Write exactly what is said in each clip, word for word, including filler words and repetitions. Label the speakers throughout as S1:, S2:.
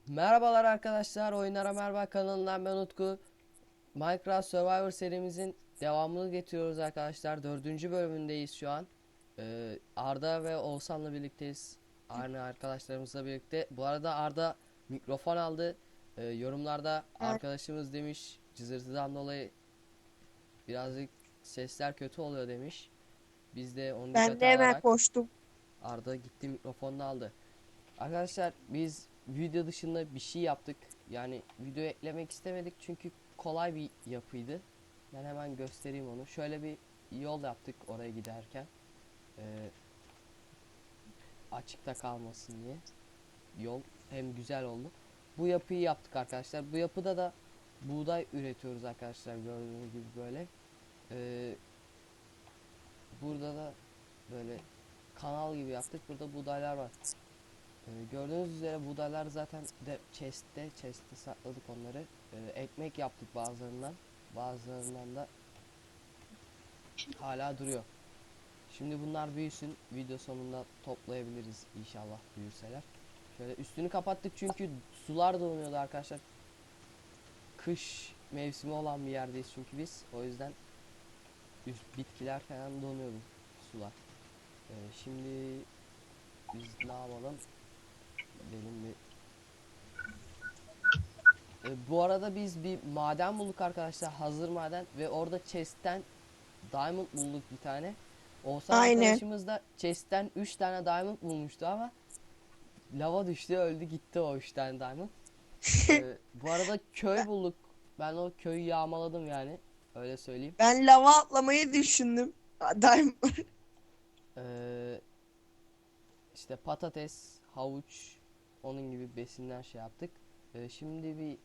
S1: Merhabalar arkadaşlar, Oyunlara Merhaba kanalından ben Utku. Minecraft Survivor serimizin devamını getiriyoruz arkadaşlar. Dördüncü bölümündeyiz şu an. Ee, Arda ve Oğuzhan'la birlikteyiz. Aynı arkadaşlarımızla birlikte. Bu arada Arda mikrofon aldı. Ee, yorumlarda
S2: Evet.
S1: arkadaşımız demiş cızırtıdan dolayı birazcık sesler kötü oluyor demiş. Biz de onu
S2: Ben de
S1: dikkate
S2: hemen
S1: alarak
S2: koştum.
S1: Arda gitti mikrofonunu aldı. Arkadaşlar biz video dışında bir şey yaptık. Yani video eklemek istemedik çünkü kolay bir yapıydı. Ben hemen göstereyim onu. Şöyle bir yol yaptık oraya giderken. Ee, Açıkta kalmasın diye. Yol hem güzel oldu. Bu yapıyı yaptık arkadaşlar. Bu yapıda da buğday üretiyoruz arkadaşlar, gördüğünüz gibi böyle. Ee, Burada da böyle kanal gibi yaptık. Burada buğdaylar var. Ee, gördüğünüz üzere buğdaylar zaten de chest'te chest'te sakladık onları. Ee, ekmek yaptık bazılarından. Bazılarından da hala duruyor. Şimdi bunlar büyüsün. Video sonunda toplayabiliriz inşallah, büyürseler. Şöyle üstünü kapattık çünkü sular donuyordu arkadaşlar. Kış mevsimi olan bir yerdeyiz çünkü biz. O yüzden üst bitkiler falan donuyordu, sular. Ee, şimdi biz ne yapalım? Benim bir E, bu arada biz bir maden bulduk arkadaşlar, hazır maden, ve orada chest'ten diamond bulduk bir tane. Oğuzhan
S2: Aynen.
S1: arkadaşımız da chest'ten üç tane diamond bulmuştu ama lava düştü, öldü gitti o üç tane diamond. E, bu arada köy bulduk. Ben o köyü yağmaladım yani, öyle söyleyeyim.
S2: Ben lava atlamayı düşündüm. Daim.
S1: E, işte patates, havuç, onun gibi besinler şey yaptık. E, şimdi bir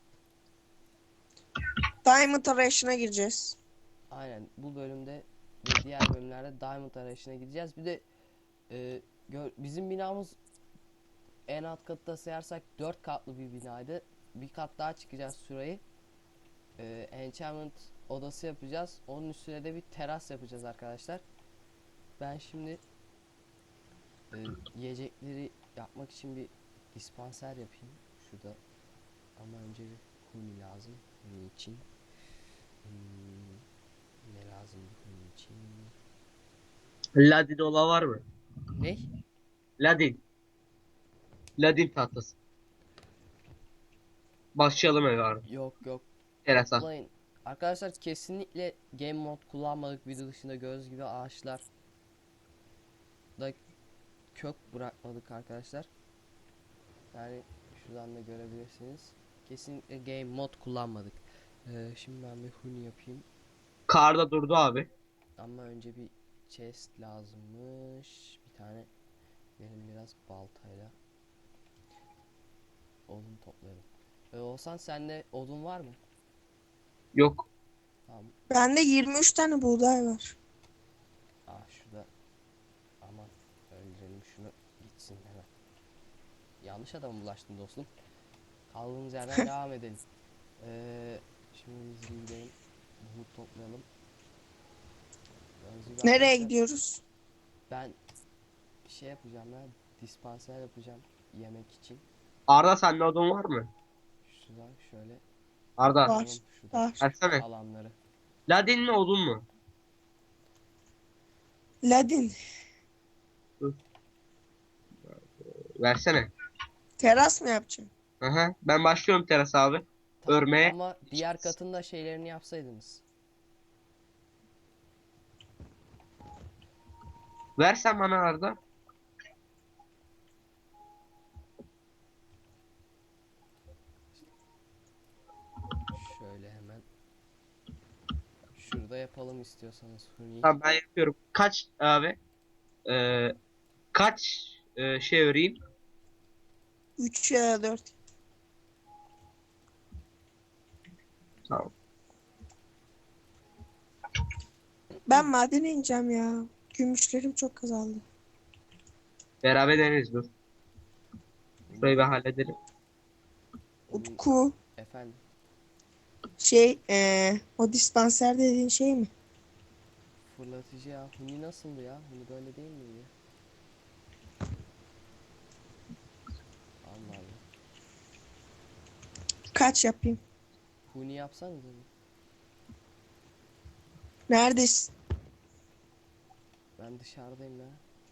S2: Diamond arayışına gireceğiz.
S1: aynen bu bölümde ve diğer bölümlerde diamond arayışına gideceğiz. Bir de e, gör, bizim binamız en alt katta sayarsak dört katlı bir binaydı. Bir kat daha çıkacağız şurayı. Ee, enchantment odası yapacağız. Onun üstüne de bir teras yapacağız arkadaşlar. Ben şimdi e, yiyecekleri yapmak için bir dispanser yapayım. Şurada, ama önce bir huni lazım. Huni için. Hmm, ne lazım huni için?
S3: Ladin ola var mı?
S1: Ne?
S3: Ladin. Ladin tahtası. Başlayalım eve abi.
S1: Yok yok.
S3: Terasa.
S1: Toplayın. Arkadaşlar kesinlikle game mod kullanmadık. Video dışında göz gibi ağaçlar da kök bırakmadık arkadaşlar. Yani şuradan da görebilirsiniz. Kesinlikle game mod kullanmadık. Ee, şimdi ben bir huni yapayım.
S3: Karda durdu abi.
S1: Ama önce bir chest lazımmış. Bir tane benim biraz baltayla odun toplayalım. Ee, Olsan sende odun var mı?
S3: Yok.
S1: Tamam.
S2: Bende yirmi üç tane buğday var.
S1: Ah şurada. Aman, öldürelim şunu, gitsin hemen. Yanlış adama bulaştın dostum. Kaldığımız yerden devam edelim. Ee, Şimdi biz bir gidelim. Bunu toplayalım. Gördüğünüz gibi
S2: Nereye
S1: arkadaşlar,
S2: gidiyoruz?
S1: ben bir şey yapacağım ya. Dispanser yapacağım yemek için.
S3: Arda sende odun var mı?
S1: Şuradan şöyle
S3: Arda.
S2: Var.
S1: yapalım şuradaki
S2: Var.
S3: Versene.
S1: alanları.
S3: Ladin mi odun mu?
S2: Ladin.
S3: Dur. Versene.
S2: Teras mı yapacaksın?
S3: Aha. Ben başlıyorum teras abi.
S1: Tamam
S3: Örmeye.
S1: ama diğer katında şeylerini yapsaydınız.
S3: Versen bana Arda.
S1: Şöyle hemen şurada yapalım istiyorsanız Huni.
S3: Tamam ben yapıyorum. Kaç abi? Ee, kaç e, şey öreyim?
S2: üç ya da dört.
S3: Tamam.
S2: Ben madene ineceğim ya. Gümüşlerim çok azaldı.
S3: Beraber deneriz dur. Şurayı bir halledelim.
S1: Huni
S2: Utku.
S1: efendim.
S2: Şey ee, o dispanser dediğin şey mi?
S1: Fırlatıcı ya. Huni nasıldı ya? Huni böyle değil miydi? Allah Allah.
S2: Kaç yapayım?
S1: Huni yapsanız mı?
S2: Neredesin?
S1: Ben dışarıdayım ya.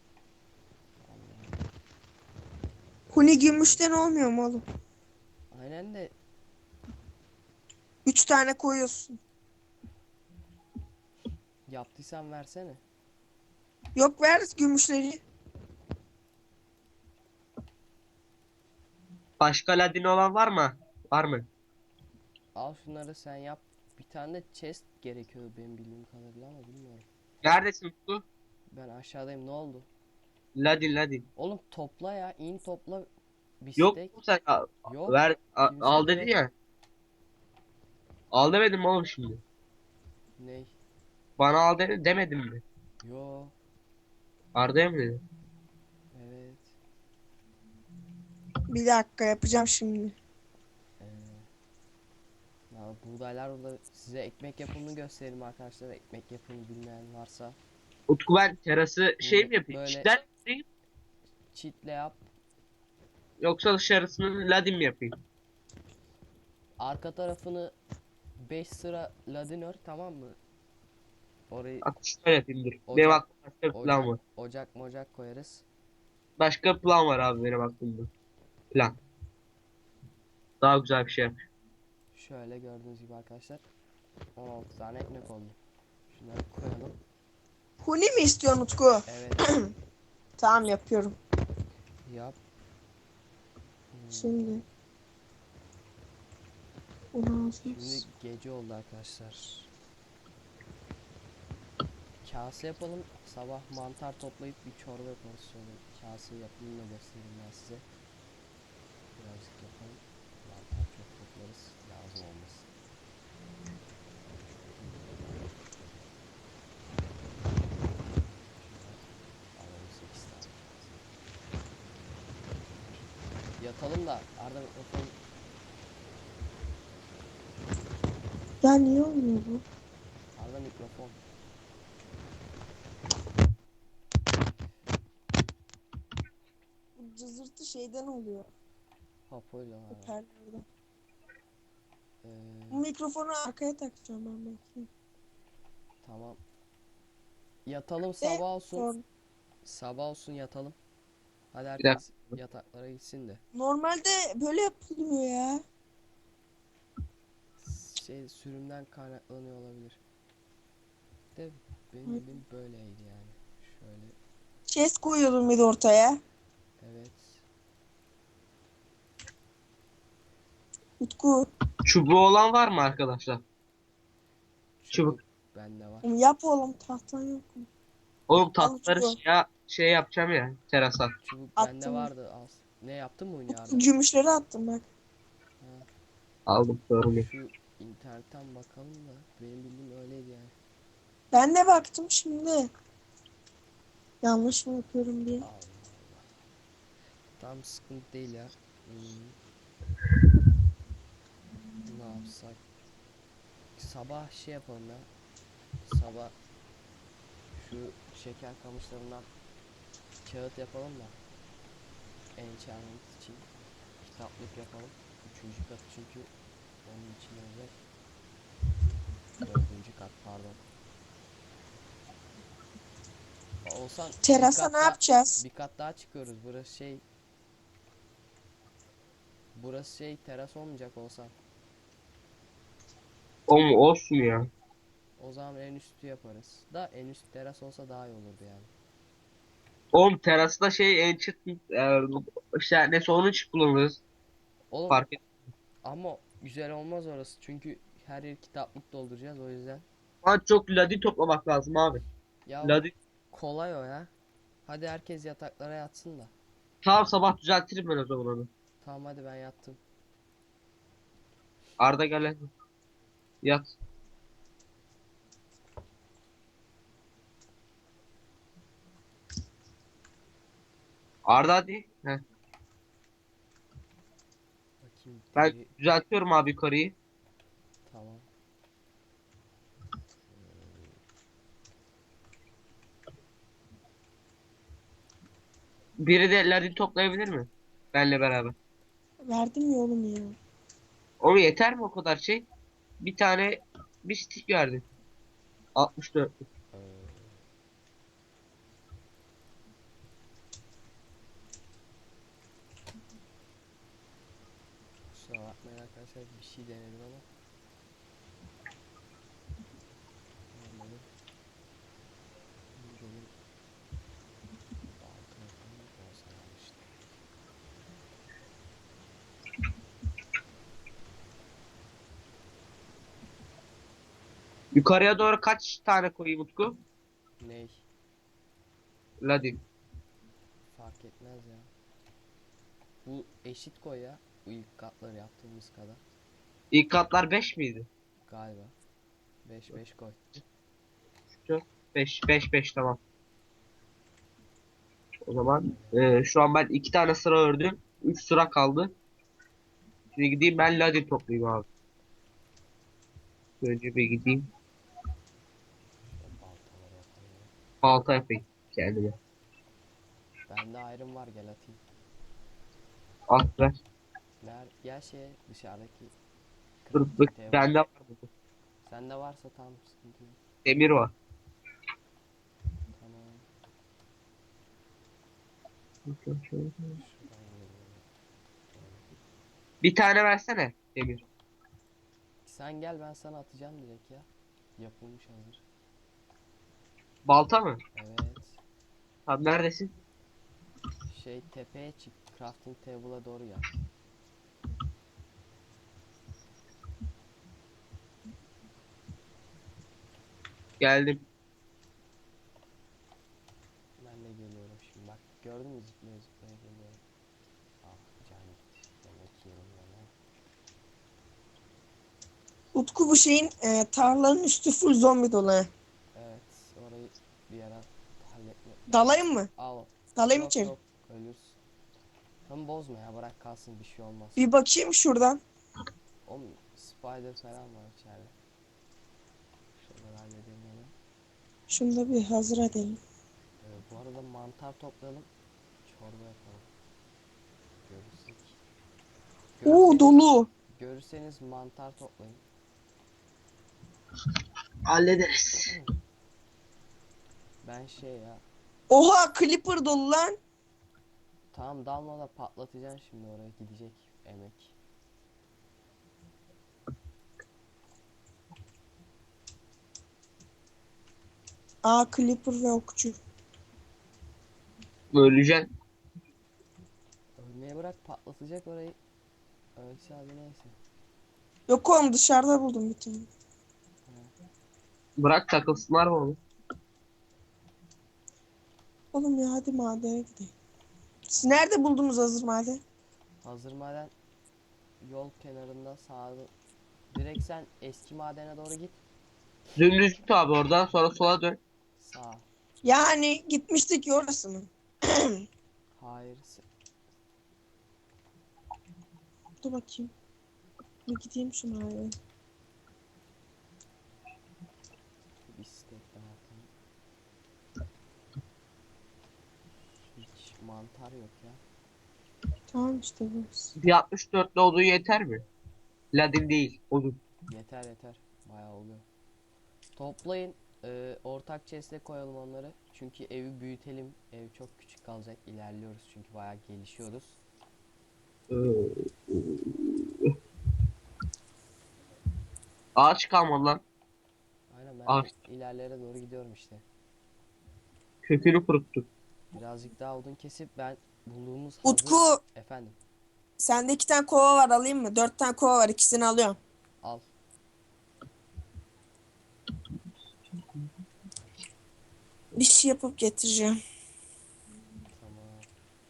S2: Huni gümüşten olmuyor mu oğlum?
S1: Aynen de
S2: Üç tane koyuyorsun.
S1: yaptıysan versene.
S2: Yok, ver gümüşleri.
S3: Başka ladin olan var mı? Var mı?
S1: Al şunları sen yap. Bir tane de chest gerekiyor benim bildiğim kadarıyla ama bilmiyorum.
S3: Neredesin Utku?
S1: Ben aşağıdayım, ne oldu?
S3: Ladin ladin.
S1: Oğlum topla ya, in topla bir
S3: Yok
S1: stek.
S3: mu sen al,
S1: Yok.
S3: ver a-
S1: Kimse
S3: al
S1: de
S3: dedin
S1: yok.
S3: ya. Al demedim mi oğlum şimdi?
S1: Ney?
S3: Bana al dedi demedim mi?
S1: Yo.
S3: Arda'ya mı dedin?
S1: Evet.
S2: Bir dakika, yapacağım şimdi.
S1: Ee, ya buğdaylar burada, size ekmek yapımını göstereyim arkadaşlar. Ekmek yapımını bilmeyen varsa.
S3: Utku ben terası şey
S1: Bunu
S3: mi yapayım?
S1: böyle-
S3: İçten mi yapayım?
S1: Çitle yap.
S3: Yoksa dışarısını ladin mi yapayım?
S1: Arka tarafını beş sıra ladin ör, tamam mı? Orayı
S3: Bak şöyle yapayım dur.
S1: Ocak-
S3: Benim aklımda başka bir plan
S1: ocak,
S3: var.
S1: ocak mocak koyarız.
S3: Başka bir plan var abi benim aklımda. Plan. Daha güzel bir şey yap.
S1: Şöyle gördüğünüz gibi arkadaşlar. on altı tane ekmek oldu. Şunları koyalım.
S2: Huni mi istiyorsun Utku?
S1: Evet,
S2: Tamam, yapıyorum.
S1: yap. Hmm,
S2: Şimdi. on altı.
S1: Şimdi gece oldu arkadaşlar. Kase yapalım. Sabah mantar toplayıp bir çorba yaparız. Şöyle kase yapımını da göstereyim ben size. Birazcık yapalım. Mantar çok toplarız. Lazım olmasın. Alalım sekiz tane. Yatalım da Arda mikrofon.
S2: Ya niye olmuyor bu?
S1: Arda mikrofon.
S2: Bu cızırtı şeyden oluyor.
S1: Hopoyla var.
S2: Hoparlörden.
S1: Ee,
S2: Bu mikrofonu arkaya takacağım ben belki.
S1: tamam. Yatalım,
S2: Ve
S1: sabah olsun.
S2: sonra-
S1: Sabah olsun yatalım. Hadi
S3: Bir dakika.
S1: herkes yataklara gitsin de.
S2: Normalde böyle yapılmıyor ya.
S1: Şey, sürümden kaynaklanıyor olabilir. De benim
S2: Hı.
S1: bildiğim böyleydi yani. Şöyle,
S2: Chest koyuyordum bir de ortaya.
S1: evet.
S2: Utku,
S3: Çubuğu olan var mı arkadaşlar?
S1: Çubuk bende var.
S2: yap oğlum, tahtan yok mu?
S3: Oğlum
S2: Al
S3: tatlıları
S2: çubuğu.
S3: şey, şey yapacağım ya terasa.
S1: Çubuk
S2: Attım.
S1: bende vardı az. Ne yaptın mı
S2: Utku,
S1: Arda?
S2: gümüşleri attım bak.
S3: Aldım sorun yok.
S1: Şu internetten bakalım da benim bildiğim öyleydi yani.
S2: Ben de baktım şimdi. Yanlış mı yapıyorum diye.
S1: Allah Allah. Tam sıkıntı değil ya. Hmm. Ne yapsak? Sabah şey yapalım ya. Sabah şu şeker kamışlarından kağıt yapalım da enchantment için kitaplık yapalım. Üçüncü kat çünkü onun için olacak. Dördüncü kat pardon. Olsan bir
S2: Terasa
S1: kat
S2: ne
S1: daha-
S2: yapacağız?
S1: Bir kat daha çıkıyoruz. Burası şey Burası şey teras olmayacak olsan.
S3: Oğlum olsun ya.
S1: O zaman en üstü yaparız. Da en üst teras olsa daha iyi olurdu yani.
S3: Oğlum terasta şey en çıt e, işte ne sonuç kullanırız.
S1: Oğlum
S3: Fark et.
S1: ama güzel olmaz orası. Çünkü her yer kitaplık dolduracağız o yüzden.
S3: Ama çok ladin toplamak lazım abi.
S1: Ya
S3: Ladin.
S1: kolay o ya. Hadi herkes yataklara yatsın da.
S3: Tamam sabah düzeltirim ben o zaman onu.
S1: Tamam hadi ben yattım.
S3: Arda gel hadi. Yat. Arda hadi. Heh.
S1: Bakayım.
S3: Ben
S1: deri-
S3: düzeltiyorum abi yukarıyı.
S1: Tamam.
S3: Biri de ladin toplayabilir mi? Benle beraber.
S2: Verdim ya oğlum ya.
S3: O yeter mi o kadar şey? Bir tane bir stick verdim. altmış dört.
S1: Ee, kusura bakmayın arkadaşlar, bir şey denedim ama olmadı. Dedim balta yapayım, olsa yanlıştı.
S3: Yukarıya doğru kaç tane koyayım Utku?
S1: Ney?
S3: Ladin.
S1: Fark etmez ya. Bu eşit koy ya. Bu ilk katları yaptığımız kadar.
S3: İlk katlar beş miydi?
S1: Galiba. beş beş koy.
S3: beş beş beş tamam. O zaman e, şu an ben iki tane sıra ördüm. üç sıra kaldı. Şimdi gideyim ben ladin toplayayım abi. Önce bir gideyim.
S1: İşte baltaları yapalım ya.
S3: Balta yapayım kendime.
S1: Bende ayrım var, gel atayım.
S3: Al ver.
S1: Ner gel şeye, dışarıdaki
S3: Dur,
S1: crafting
S3: dur.
S1: table.
S3: Bende var bu.
S1: Sende varsa tam sıkıntı yok.
S3: Demir var.
S1: Tamam. Şuradan gidelim.
S3: Bir tane versene demir.
S1: Sen gel, ben sana atacağım direkt ya. Yapılmış hazır.
S3: Balta mı?
S1: Evet.
S3: Abi neredesin?
S1: Şey, tepeye çık. Crafting table'a doğru gel.
S3: Geldim.
S1: Ben de geliyorum şimdi, bak. Gördün mü, zıplaya zıplaya geliyorum. Ah, can gitti. Demek ki yerim var.
S2: Utku, bu şeyin e, tarlanın üstü full zombi dolu. he.
S1: Evet, orayı bir ara halletme.
S2: Dalayım mı?
S1: Al.
S2: Dalayım
S1: Yok
S2: içeri.
S1: yok, ölürsün. Tam bozma ya, bırak kalsın, bir şey olmaz.
S2: Bir bakayım şuradan.
S1: O spider falan var içeride. Şuraları halledelim hemen.
S2: Şunu da bir hazır edelim.
S1: Ee, bu arada mantar toplayalım. Çorba yapalım. Görürsek.
S2: Oo,
S1: Görürseniz,
S2: dolu.
S1: görürseniz mantar toplayın.
S3: Hallederiz.
S1: Ben şey ya.
S2: Oha, Clipper dolu lan.
S1: Tamam, dalma da patlatacaksın şimdi, oraya gidecek emek.
S2: Aa, Clipper ve okçu.
S3: Öleceksin.
S1: Ölmeye bırak, patlatacak orayı. Ölse hadi, neyse.
S2: Yok oğlum, dışarıda buldum bir tane.
S3: Bırak takılsınlar mı oğlum?
S2: Oğlum ya, hadi madene gidelim. Siz nerede buldunuz hazır maden?
S1: Hazır maden yol kenarında sağda. Direkt sen eski madene doğru git.
S3: Dümdüz git abi oradan sonra sola dön.
S1: Sağ.
S2: Yani gitmiştik ya, orası mı?
S1: Hayır. se-
S2: Dur bakayım. Bir gideyim şuna abi.
S1: Bir steak daha atayım. Hiç mantar yok ya.
S2: Tamam işte burası.
S3: Bir altmış dörtlü odun yeter mi? Ladin değil odun.
S1: Yeter yeter. Bayağı oluyor. Toplayın. Ee, ortak chest'e koyalım onları. Çünkü evi büyütelim. Ev çok küçük kalacak. İlerliyoruz çünkü bayağı gelişiyoruz.
S3: Ee, Ağaç kalmadı lan.
S1: Aynen, ben
S3: Ağaç
S1: de ilerlere doğru gidiyorum işte.
S3: kökünü kuruttu.
S1: Birazcık daha odun kesip ben bulduğumuz hazır...
S2: Utku,
S1: Efendim,
S2: sende iki tane kova var, alayım mı? Dört tane kova var, ikisini alıyorum.
S1: al.
S2: Bir şey yapıp getireceğim.
S1: Tamam.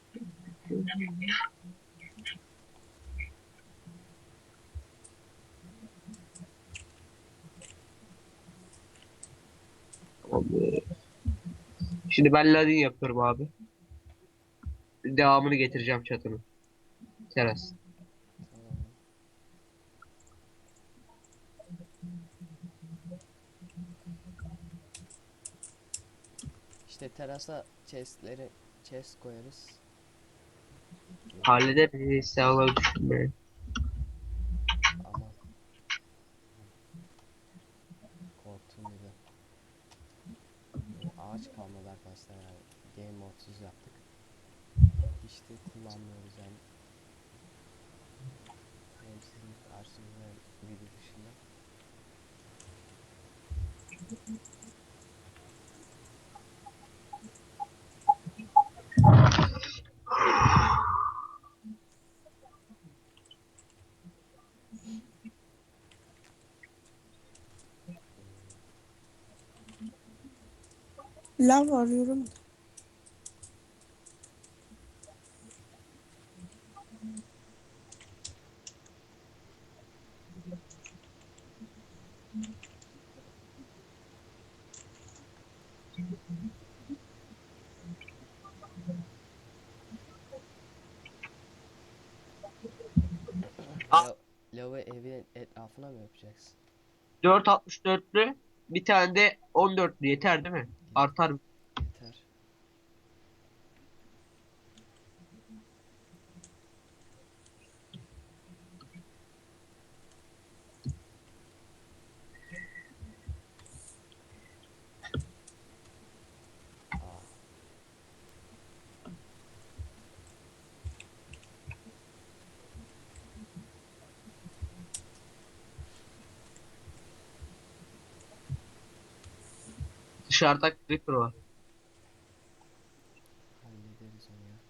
S3: Tamam. Şimdi ben ladin yapıyorum abi. Devamını getireceğim çatının. Teras.
S1: Tamam. İşte terasa chest'leri chest koyarız.
S3: Hallederiz. Sen onu düşünme.
S1: kullanmıyoruz yani. Hem sizin karşınızda hem video dışında.
S2: Lav arıyorum.
S3: Ah,
S1: La lavı evin etrafına mı yapacaksın?
S3: dört altmış dörtlü bir tane de on dörtlü yeter değil mi? Artar.
S1: Yeter. Aa,
S3: Dışarıda creeper var.
S1: hallederiz onu ya.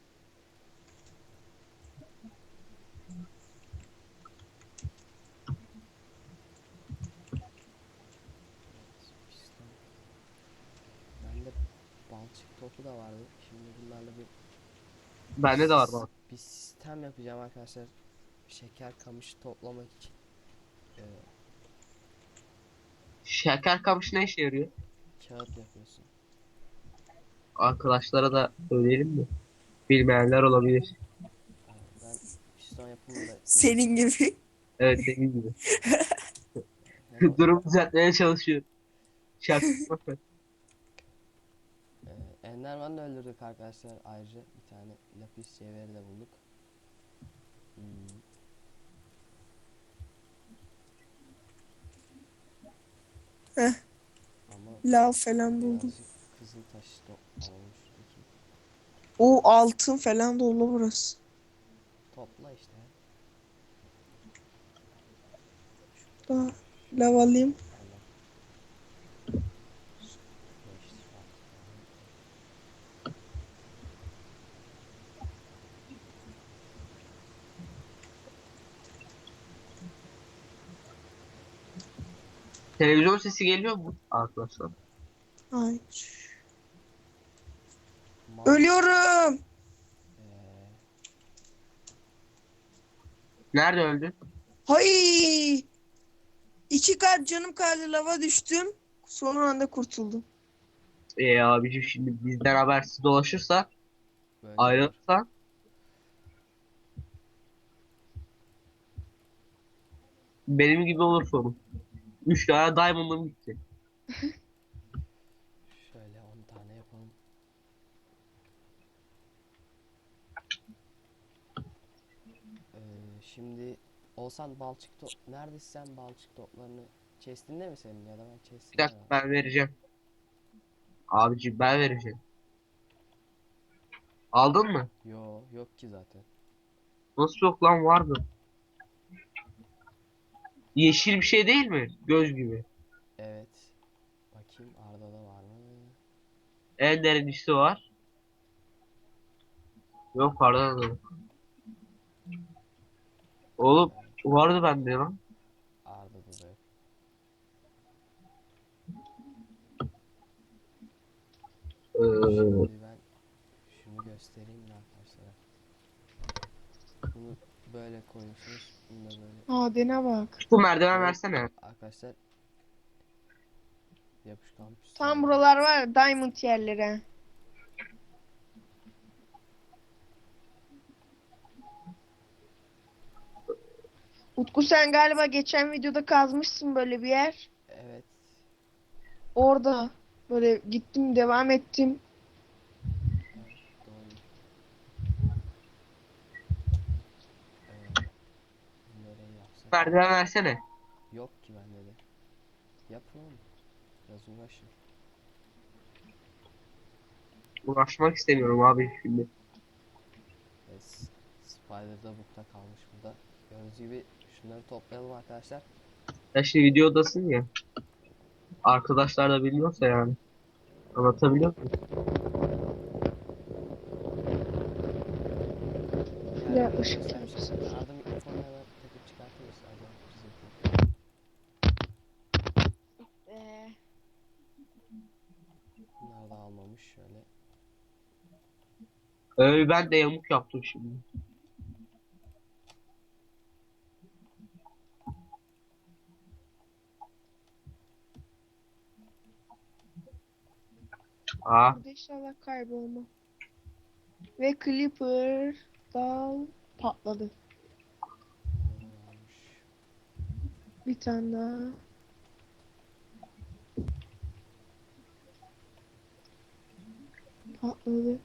S1: Evet, piston. Bende balçık topu da vardı. Şimdi bunlarla bir
S3: Bende de var bak.
S1: bir sistem yapacağım arkadaşlar. Şeker kamışı toplamak için. Ee,
S3: Şeker kamışı ne işe yarıyor?
S1: kağıt yapıyorsun.
S3: Arkadaşlara da söyleyelim mi? Bilmeyenler olabilir.
S1: Ee, ben piston yapımı da
S2: Senin gibi.
S3: Evet, senin gibi.
S1: hem o-
S3: Durum düzeltmeye çalışıyor. Şaka.
S1: e, Enderman'ı da öldürdük arkadaşlar. Ayrıca bir tane lapis cevheri de bulduk. Hmm,
S2: Heh,
S1: ama
S2: lav falan buldum.
S1: birazcık kızıl taş toplamış şuradaki.
S2: O altın falan dolu burası.
S1: Topla işte.
S2: Daha lav alayım.
S1: Allah. Beş saat falan.
S3: Televizyon sesi geliyor mu arkadaşlar?
S2: Hayır.
S1: Mal.
S2: Ölüyorum.
S1: Ee,
S3: Nerede öldün?
S2: Hay! İki kat canım kaldı, lava düştüm. Son anda kurtuldum.
S3: Ee abicim, şimdi bizden habersiz dolaşırsa,
S1: böyle olur.
S3: ayrılırsa benim gibi olur sonu. Üç tane diamond'ım gitti.
S1: Şöyle on tane yapalım. Ee, şimdi olsan balçık to neredesin sen, balçık toplarını chest'inde mi senin, ya da ben
S3: Bir
S1: chest'inde
S3: dakika,
S1: var.
S3: ben vereceğim. Abicim, ben vereceğim. Aldın mı?
S1: Yo, yok ki zaten.
S3: Nasıl yok lan, vardı. Yeşil bir şey değil mi? Göz gibi.
S1: Evet. Bakayım Arda'da var mı?
S3: En derinlisi var. Yok, pardon. da yok. Oğlum,
S1: Ee,
S3: vardı bende lan.
S1: Arda'da da yok.
S3: Ee,
S1: Şimdi ben şunu göstereyim mi arkadaşlara? Bunu böyle koyuyorsunuz. Bunu da böyle.
S2: Madene bak.
S3: bu merdiven
S1: Koyup
S3: versene.
S1: arkadaşlar yapışkan
S2: Tam
S1: pistonla.
S2: buralar var ya, diamond yerleri. Utku, sen galiba geçen videoda kazmışsın böyle bir yer.
S1: Evet.
S2: Orada böyle gittim, devam ettim.
S1: Evet, doğru. Ee, Nereye yapsak?
S3: Merdiven versene.
S1: Yok ki bende de. Yapın oğlum. Biraz uğraşın.
S3: Uğraşmak istemiyorum abi şimdi.
S1: Ee, Evet. Spider da bukta kalmış burada. Gördüğünüz gibi şunları toplayalım arkadaşlar.
S3: Ya şimdi videodasın ya. Arkadaşlar da bilmiyorsa yani. Anlatabiliyor muyum?
S1: Yani
S2: Ya
S1: böyle
S2: ışık
S1: göstermiştim.
S2: yapsın.
S1: Arada mikrofonu hemen takıp çıkartayım istersen.
S2: Ee,
S1: Bunları da almamış şöyle.
S3: Öyle ben de yamuk yaptım şimdi. Aa,
S2: burada inşallah kaybolma. Ve Clipper dal patladı.
S1: Bunları da almış.
S2: Bir tane daha. Patladı.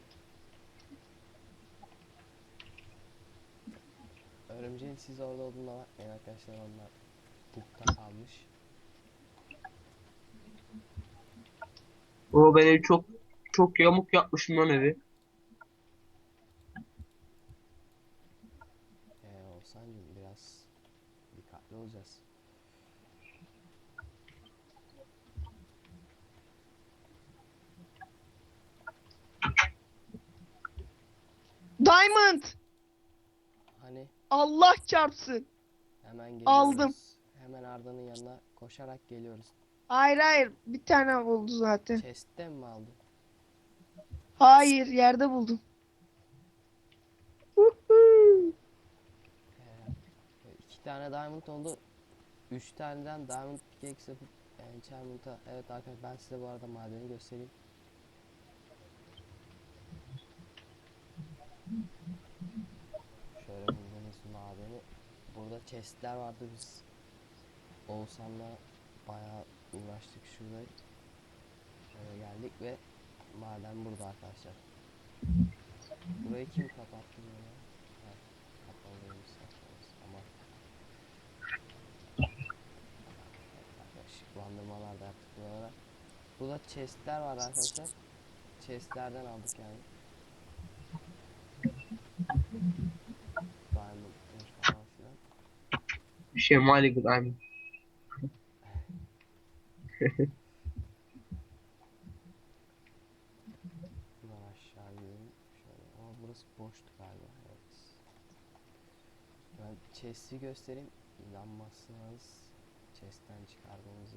S1: Örümceğin siz orada olduğuna bakmayın arkadaşlar, onlar bukta kalmış.
S3: o ben evi çok çok yamuk yapmışım lan evi.
S1: Ee, Oğuzhan'cım biraz dikkatli olacağız.
S2: Diamond!
S1: Hani
S2: Allah çarpsın.
S1: hemen geliyoruz.
S2: Aldım.
S1: Hemen Arda'nın yanına koşarak geliyoruz.
S2: Hayır hayır. Bir tane buldu zaten.
S1: Chest'ten mi aldın?
S2: Hayır yerde buldum. Huhu.
S1: Ee, iki tane diamond oldu. Üç taneden diamond pickaxe yapıp enchantment'a. Evet arkadaşlar, ben size bu arada madeni göstereyim. Şöyle bulduğumuz madeni. Burada chestler vardı, biz Oğuzhan'la bayağı uğraştık şurada. Şöyle geldik ve maden burada arkadaşlar. Burayı kim kapattı böyle? Evet, kapalıymış saçmalıyız ama ışıklandırmalar da yaptık buralara. Burada chestler var arkadaşlar. Chestlerden aldık yani. Diamond falan filan.
S3: Bir şey mali gıdayım.
S1: Buradan aşağı gidelim. Şöyle. Ama burası boştu galiba. Evet. Ben chest'i göstereyim. İnanmazsınız. Chest'ten çıkardığımızı.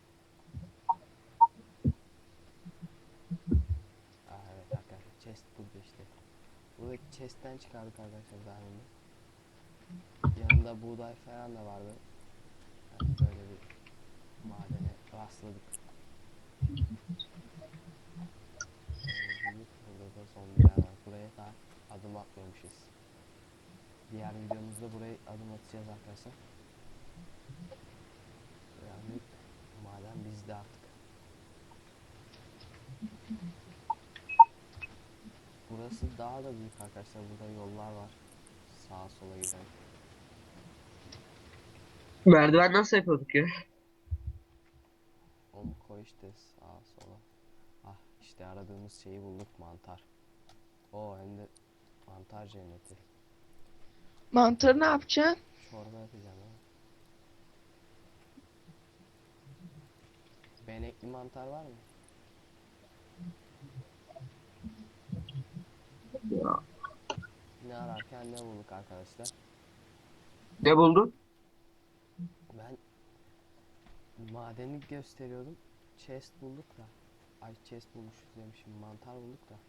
S1: Aa, evet arkadaşlar. Chest burada işte. Buradaki chest'ten çıkardık arkadaşlar diamond'ı. Yanında buğday falan da vardı. Yani böyle bir madene rastladık. Gördüğünüz gibi burada da zombiler var. Buraya da adım atmamışız. Diğer videomuzda buraya adım atacağız arkadaşlar. Yani maden bizde artık. Burası daha da büyük arkadaşlar. Burada yollar var. Sağa sola giden.
S3: Merdiven nasıl yapıyorduk ya?
S1: Onu koy işte sağa sola. Ah işte aradığımız şeyi bulduk, mantar. O hem de mantar cenneti.
S2: Mantarı ne yapacaksın?
S1: Çorba yapacağım ha. Benekli mantar var mı?
S3: Ya.
S1: Ne ararken ne bulduk arkadaşlar?
S3: Ne buldun?
S1: Ben madeni gösteriyordum. Chest bulduk da. Ay chest bulmuşuz demişim. Mantar bulduk da.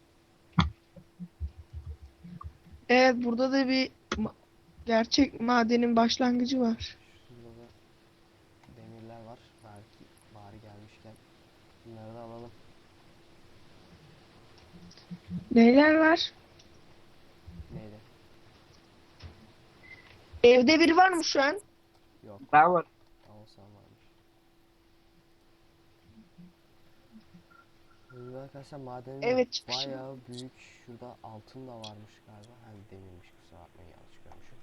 S2: Evet burada da bir ma- gerçek madenin başlangıcı var.
S1: Şurada da demirler var. Belki bari gelmişken bunları da alalım.
S2: Neler var?
S1: Neydi?
S2: Evde biri var mı şu an?
S1: Yok.
S3: Ben var.
S1: Olsan varmış. Burada arkadaşlar madenin
S2: Evet, çıkışı
S1: bayağı büyük. Şurada altın da varmış galiba. Hani demirmiş, kusura bakmayın, yanlış görmüşüm.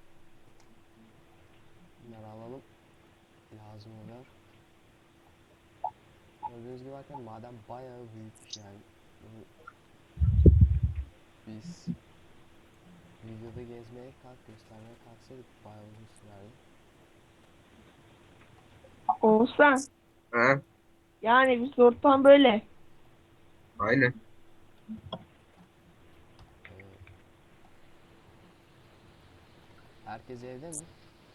S1: Bunları alalım. Lazım olur. Gördüğünüz gibi bakın maden bayağı büyük yani. Bunu biz videoda gezmeye kalk göstermeye kalksaydık bayağı uzun sürerdi.
S2: Olsan.
S3: Ha,
S2: Yani biz ortam böyle.
S3: aynen.
S1: Ee, herkes evde mi?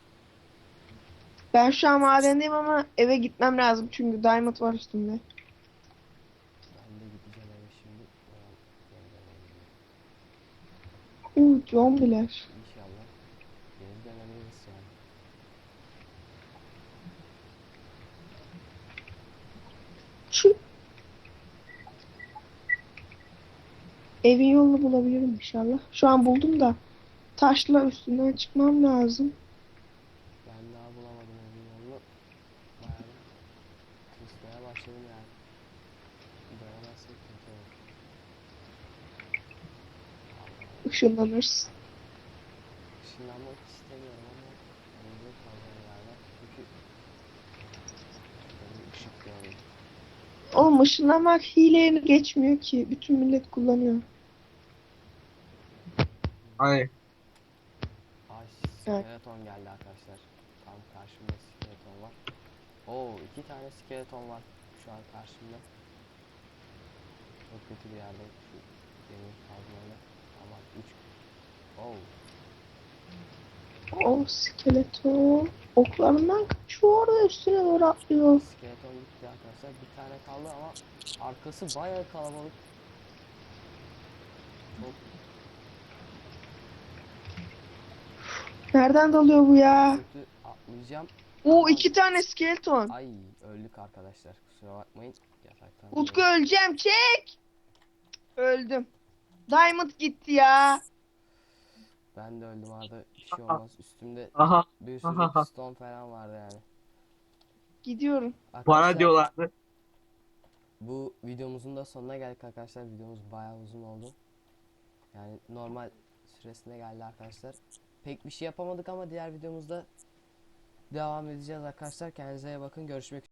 S2: Ben şu an madendeyim ama eve gitmem lazım çünkü diamond var üstümde.
S1: Ben de gideceğim eve şimdi. Ulan, yeniden evdeyim.
S2: Uuu zombiler.
S1: İnşallah geri dönebiliriz yani.
S2: Şu evin yolunu bulabilirim inşallah. Şu an buldum da taşla üstünden çıkmam lazım.
S1: Ben daha bulamadım evin yolunu. Bayağı bir tırsmaya başladım yani. Dönemezsek kötü olur. Allah,
S2: Işınlanırsın.
S1: ışınlanmak istemiyorum ama mecbur kalacağım galiba. Çünkü benim ışık görüyorum.
S2: Oğlum ışınlanmak hileye geçmiyor ki. Bütün millet kullanıyor.
S3: Aynen.
S1: Ay,
S2: Evet.
S1: skeleton geldi arkadaşlar. Tam karşımda skeleton var. Oo, iki tane skeleton var şu an karşımda. Çok kötü bir yerde şu demir kazmayla. Ama üç. Oo,
S2: O skeleton oklarından kaçıyor orada üstüne doğru atlıyor.
S1: skeleton gitti arkadaşlar. Bir tane kaldı ama arkası bayağı kalabalık. Çok
S2: Nereden dalıyor bu ya?
S1: kötü atlayacağım.
S2: O
S1: Ama-
S2: iki tane skeleton.
S1: Ay, öldük arkadaşlar. Kusura bakmayın. Yataktan
S2: Utku
S1: dolayı.
S2: öleceğim çek. Öldüm. Diamond gitti ya.
S1: Ben de öldüm arada. Bir şey olmaz. Üstümde
S3: Aha.
S1: bir sürü
S3: Aha.
S1: piston falan vardı yani.
S2: Gidiyorum.
S3: Bana
S1: Arkadaşlar,
S3: diyorlardı.
S1: bu videomuzun da sonuna geldik arkadaşlar. Videomuz bayağı uzun oldu. Yani normal süresine geldi arkadaşlar. Pek bir şey yapamadık ama diğer videomuzda devam edeceğiz arkadaşlar. Kendinize iyi bakın. Görüşmek üzere.